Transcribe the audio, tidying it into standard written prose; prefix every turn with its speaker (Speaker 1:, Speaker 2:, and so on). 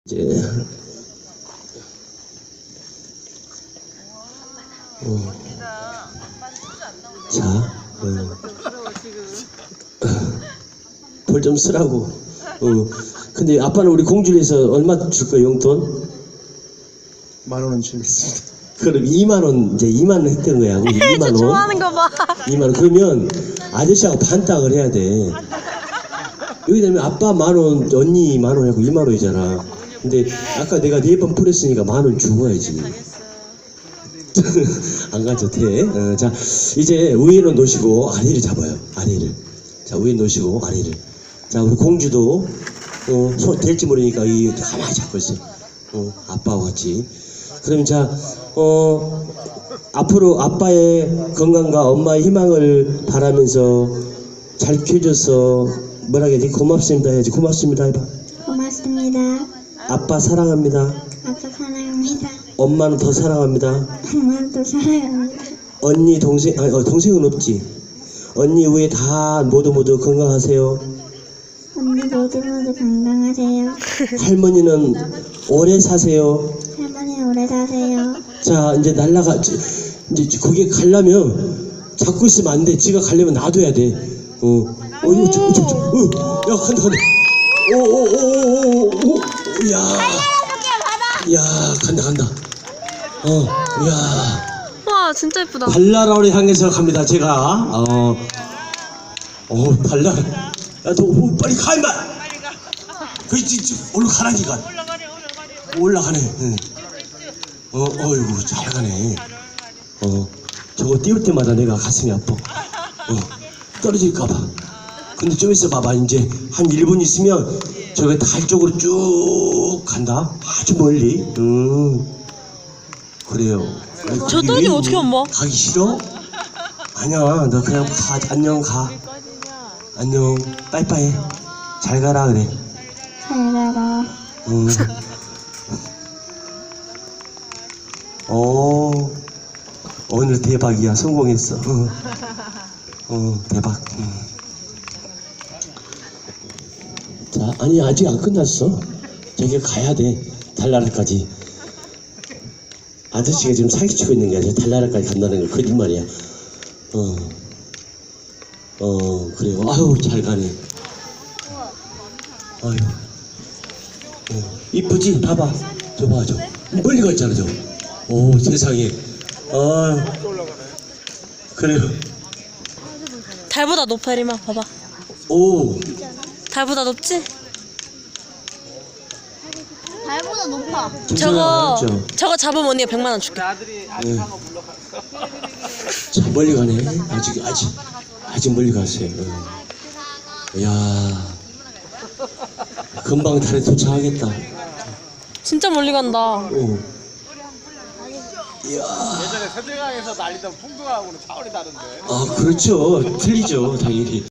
Speaker 1: 이제 자, 벌 좀 쓰라고. 근데 아빠는 우리 공주에서 얼마 줄 거야, 용돈?
Speaker 2: 10,000원 주겠습니다.
Speaker 1: 그럼 2만 원, 이제 2만 원 했던 거야. 우리 2만 원.
Speaker 3: 좋아하는 거 봐.
Speaker 1: 2만 원. 그러면 아저씨하고 반딱을 해야 돼. 여기 되면 아빠 10,000원, 언니 10,000원 하고 2만 원이잖아. 근데 아까 내가 4번 풀었으니까 10,000원 주고야지. 안 가져도 돼. 자, 이제 위에는 놓으시고 아래를 잡아요. 아래를. 자, 위에 놓으시고 아래를. 자, 우리 공주도 될지 모르니까 이 가만히 잡고 있어요. 아빠와 같이. 그럼 자, 앞으로 아빠의 건강과 엄마의 희망을 바라면서 잘 키워줘서 뭐라 해야 지 고맙습니다 해야지. 고맙습니다 해봐.
Speaker 4: 고맙습니다.
Speaker 1: 아빠 사랑합니다.
Speaker 4: 아빠 사랑합니다.
Speaker 1: 엄마는 더 사랑합니다.
Speaker 4: 엄마도 사랑합니다.
Speaker 1: 언니 동생 동생은 없지. 언니 위에 다 모두 건강하세요.
Speaker 4: 언니 모두 건강하세요.
Speaker 1: 할머니는 오래 사세요.
Speaker 4: 할머니 오래 사세요.
Speaker 1: 자, 이제 날라가. 이제 거기 가려면 잡고 있으면 안 돼. 지가 가려면 놔둬야 돼. 이거 야, 간다. 야, 간다. 야.
Speaker 3: 와, 진짜 예쁘다.
Speaker 1: 발나라를 향해서 갑니다. 제가 발나라. 야, 너 빨리 가 임마. 그렇지, 올라가라니까. 올라가네. 응. 어이구, 잘 가네. 저거 띄울 때마다 내가 가슴이 아파. 떨어질까봐. 근데 좀 있어 봐봐. 이제 한 1분 있으면 저게 달 쪽으로 쭉 간다. 아주 멀리. 그래요.
Speaker 3: 저 떨어지면 어떻게 엄마?
Speaker 1: 가기 싫어? 아니야, 너 그냥 가. 안녕, 가. 안녕, 빠이빠이. 잘 가라 그래.
Speaker 4: 잘 가라.
Speaker 1: 오늘 대박이야. 성공했어. 대박. 자, 아니 아직 안 끝났어. 저기 가야 돼. 달나라까지. 아저씨가 지금 사기치고 있는 게 아니라 달나라까지 간다는 거 거짓말이야. 그래요. 아유, 잘 가네. 아유. 이쁘지? 봐봐. 저 봐, 저. 멀리 가 있잖아, 저. 오, 세상에. 그래요.
Speaker 3: 달보다 높아, 리마. 봐봐.
Speaker 1: 오.
Speaker 3: 달보다 높지?
Speaker 4: 달보다 높아.
Speaker 3: 저거 잡으면 언니가 100만 원 줄게.
Speaker 1: 네. 참 멀리 가네. 아직 멀리 갔어요. 이야, 금방 달에 도착하겠다.
Speaker 3: 진짜 멀리 간다.
Speaker 1: 이야.
Speaker 2: 예전에 세대강에서 날리던 풍등하고는 차원이 다른데.
Speaker 1: 그렇죠. 틀리죠, 당연히.